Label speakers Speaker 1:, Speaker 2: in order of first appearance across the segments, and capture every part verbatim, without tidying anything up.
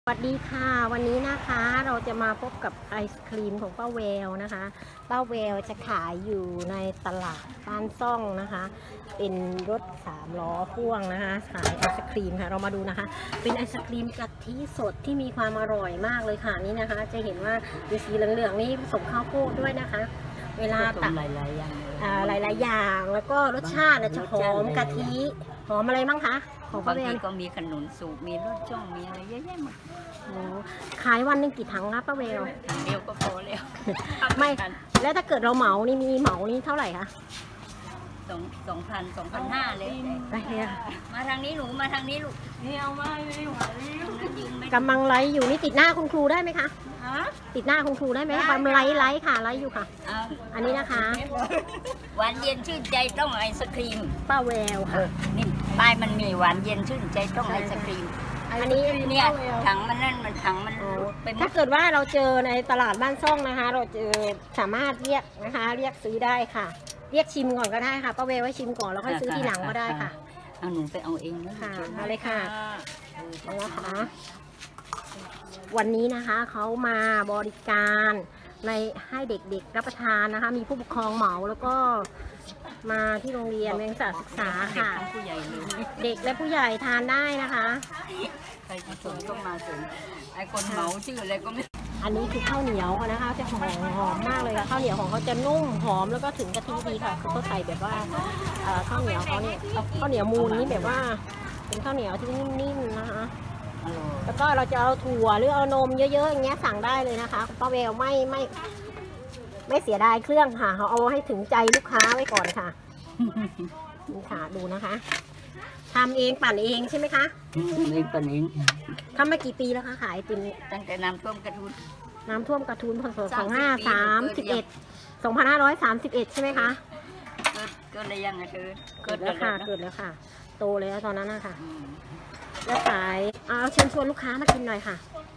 Speaker 1: สวัสดีค่ะวันนี้นะคะเราจะมาพบกับไอศครีมของป้าแววนะคะป้าแววจะขายอยู่ในตลาดบ้านซ่องนะคะเป็นรถสามล้อพ่วงนะคะขายไอศครีมค่ะเรามาดูนะคะเป็นไอศครีมกะทิสดที่มีความอร่อยมากเลยค่ะนี่นะคะ จะเห็นว่าดูสีเหลืองๆนี่ผสมข้าวโพดด้วยนะคะ เวลาตัก
Speaker 2: หลายๆอย่าง
Speaker 1: หลายๆอย่างแล้วก็รสชาติจะหอมกะทิหอมอะไรบ้างคะของป้า
Speaker 2: บาง
Speaker 1: แว
Speaker 2: ที
Speaker 1: ว
Speaker 2: ก็มีขนุนสูบมีรสช่องมีอะไรเยอะแยะหมด
Speaker 1: โอ้ขายวันหนึ่งกี่ถังคะป้าแวว
Speaker 2: เดียวก็พอแล้ว
Speaker 1: ไม่แล้วถ้าเกิดเราเหมานี่มีเหมานี่เท่าไหร่คะ
Speaker 2: สองสองพันสองพันห้าเลย
Speaker 1: ไปเนี่ย
Speaker 2: มาทางนี้หนูมาทางนี้ลูกนี่เอามาเลยหวานลิ้วยืนไม่
Speaker 1: กำลังไลฟ์อยู่นี่ติดหน้าคุณครูได้ไหมคะ
Speaker 2: ฮะ
Speaker 1: ติดหน้าคุณครูได้ไหมกำลังไลฟ์ไลฟ์ค่ะไลฟ์อยู่ค่ะ
Speaker 2: เอา
Speaker 1: อันนี้นะคะ
Speaker 2: หวานเย็นชื่นใจต้องไอศครีม
Speaker 1: ป้าแววค่ะ
Speaker 2: นี่ป้ายมันมีหวานเย็นชื่นใจต้องไอศครีม
Speaker 1: อันนี้
Speaker 2: เนี่ยถังมันนั่นมันถังมัน
Speaker 1: อ๋อ
Speaker 2: เป็น
Speaker 1: ถ้าเกิดว่าเราเจอในตลาดบ้านซ่องนะคะ เราเจอสามารถเรียกนะคะเรียกซื้อได้ค่ะ เรียกชิมก่อนก็ได้ค่ะป้าแววไว้ชิมก่อนแล้วค่อยซื้อทีหลังก็ได้ค่ะ
Speaker 2: เอาหนูไปเอาเองนะ
Speaker 1: ค่ะมาเลยค่ะ นะคะวันนี้นะคะเขามาบริการในให้เด็กๆรับประทานนะคะ มีผู้ปกครองเหมาแล้วก็มาที่โรงเรียนเรียนศึกษาค่ะ
Speaker 2: ทั้งผู้ใหญ่เลย
Speaker 1: เด็กและผู้ใหญ่ทานได้นะคะ
Speaker 2: ใครจะสนก็มาสนไอ้คนเหมาชื่ออะไรก็ไม่
Speaker 1: อันนี้คือข้าวเหนียวนะคะจะหอมหอมมากเลยค่ะข้าวเหนียวของเขาจะนุ่มหอมแล้วก็ถึงกะทิดีค่ะคือเขาใส่แบบว่าเอ่อข้าวเหนียวเขาเนี่ยข้าวเหนียวมูนนี่แบบว่าเป็นข้าวเหนียวที่นิ่มๆนะคะ
Speaker 2: อร่อย
Speaker 1: แล้วก็เราจะเอาถั่วหรือเอานมเยอะๆอย่างเงี้ยสั่งได้เลยนะคะป้าแววไม่ไม่ไม่เสียดายเครื่องค่ะเขาเอาให้ถึงใจลูกค้าไว้ก่อนค่ะนี่ค่ะดูนะคะทำเองปั่นเองใช่ไหมคะ
Speaker 2: นี่ปนิง
Speaker 1: ทำมากี่ปีแล้วคะขายไอติมเนี่ย
Speaker 2: ตั้งแต่น้ำท่วมกระทุน
Speaker 1: น้ำท่วมกระทุนพศสอง
Speaker 2: สามสิบ
Speaker 1: ห้าสามสิบเอ็ดสองพันห้าร้อยสามสิบเอ็ดใช่ไหมคะ
Speaker 2: เกิดเกิดอะไรยังไงเธอ
Speaker 1: เกิดแล้วค่ะเกิดแล้วค่ะ โตเลยตอนนั้นนะคะ
Speaker 2: อืม
Speaker 1: แล้วขายเอาเชิญชวนลูกค้ามากินหน่อยค่ะ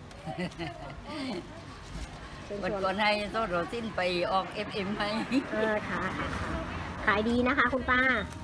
Speaker 1: เชิญ
Speaker 2: วัน
Speaker 1: ชวน
Speaker 2: ก่อนให้โซโรสิ้นไปออกเอฟเอ็มไหม
Speaker 1: เออค่ะค่ะขายดีนะคะคุณป้า